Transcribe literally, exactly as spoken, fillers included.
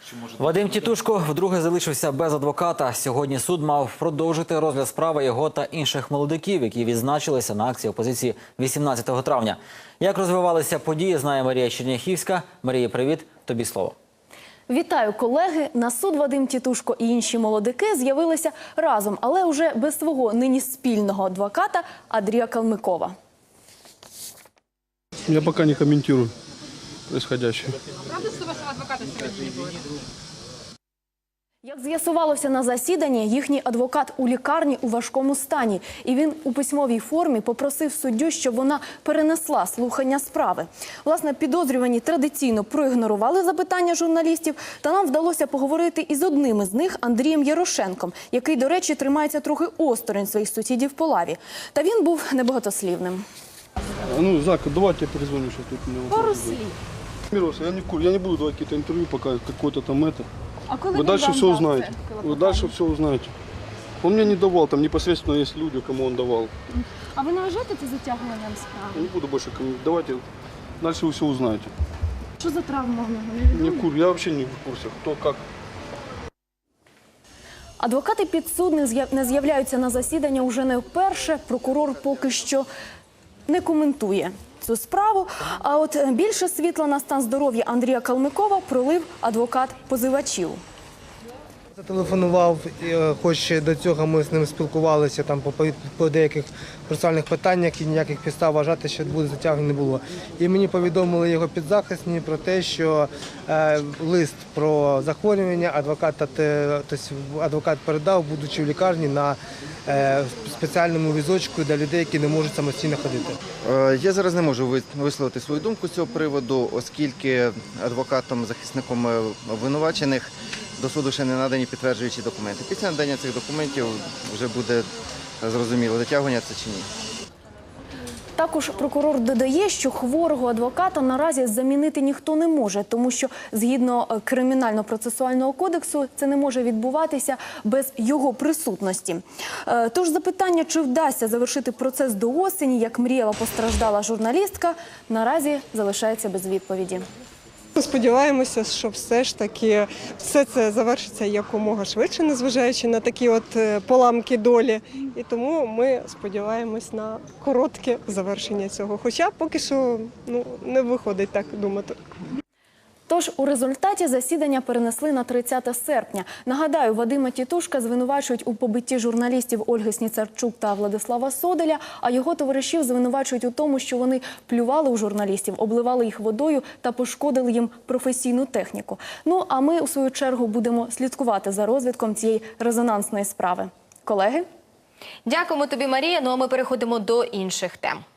Вадим Тітушко вдруге залишився без адвоката. Сьогодні суд мав продовжити розгляд справи його та інших молодиків, які відзначилися на акції опозиції вісімнадцятого травня. Як розвивалися події, знає Марія Черняхівська. Марія, привіт. Тобі слово. Вітаю, колеги! На суд Вадим Тітушко і інші молодики з'явилися разом, але вже без свого нині спільного адвоката Андрія Калмикова. Я пока не комментирую происходящее. Правда, що вашого адвоката сьогодні не було? Як з'ясувалося на засіданні, їхній адвокат у лікарні у важкому стані. І він у письмовій формі попросив суддю, щоб вона перенесла слухання справи. Власне, підозрювані традиційно проігнорували запитання журналістів, та нам вдалося поговорити із одним із них, Андрієм Ярошенком, який, до речі, тримається трохи осторонь своїх сусідів по лаві. Та він був небагатослівним. Ну, Зак, давай я перезвоню сейчас. Тут у меня Пару слів. Мироса, я не, кур- я не буду давать какие-то интервью, пока какой-то там это. А коли Вы дальше все узнаете. Вы дальше все узнаете. Он мне не давал, там непосредственно есть люди, кому он давал. А ви не вважаєте це затягуванням справи? Я не буду больше комментировать. Давайте, дальше вы все узнаете. Що за травма в нього? Не в кур- я вообще не в курсе, кто как. Адвокати підсудних з'яв- не з'являються на засідання уже не вперше. Прокурор поки що не коментує цю справу. А от більше світла на стан здоров'я Андрія Калмикова пролив адвокат позивачів. Зателефонував, е, хоч до цього ми з ним спілкувалися там по, по деяких процесуальних питаннях і ніяких підстав вважати, що буде затягнення не було. І мені повідомили його підзахисні про те, що е, лист про захворювання адвоката, те, тобто адвокат передав, будучи в лікарні, на е, спеціальному візочку для людей, які не можуть самостійно ходити. Е, Я зараз не можу ви- висловити свою думку з цього приводу, оскільки адвокатом, захисником е, обвинувачених до суду ще не надані підтверджуючі документи. Після надання цих документів вже буде зрозуміло, дотягування це чи ні. Також прокурор додає, що хворого адвоката наразі замінити ніхто не може, тому що згідно е, Кримінально-процесуального кодексу це не може відбуватися без його присутності. Е, Тож запитання, чи вдасться завершити процес до осені, як мріяла постраждала журналістка, наразі залишається без відповіді. Ми сподіваємося, що все ж таки все це завершиться якомога швидше, незважаючи на такі от е, поламки долі. І тому ми сподіваємось на коротке завершення цього. Хоча поки що ну, не виходить так думати. Тож у результаті засідання перенесли на тридцяте серпня. Нагадаю, Вадима Тітушка звинувачують у побитті журналістів Ольги Сніцарчук та Владислава Соделя, а його товаришів звинувачують у тому, що вони плювали у журналістів, обливали їх водою та пошкодили їм професійну техніку. Ну, а ми, у свою чергу, будемо слідкувати за розвитком цієї резонансної справи. Колеги? Дякуємо тобі, Марія. Ну а ми переходимо до інших тем.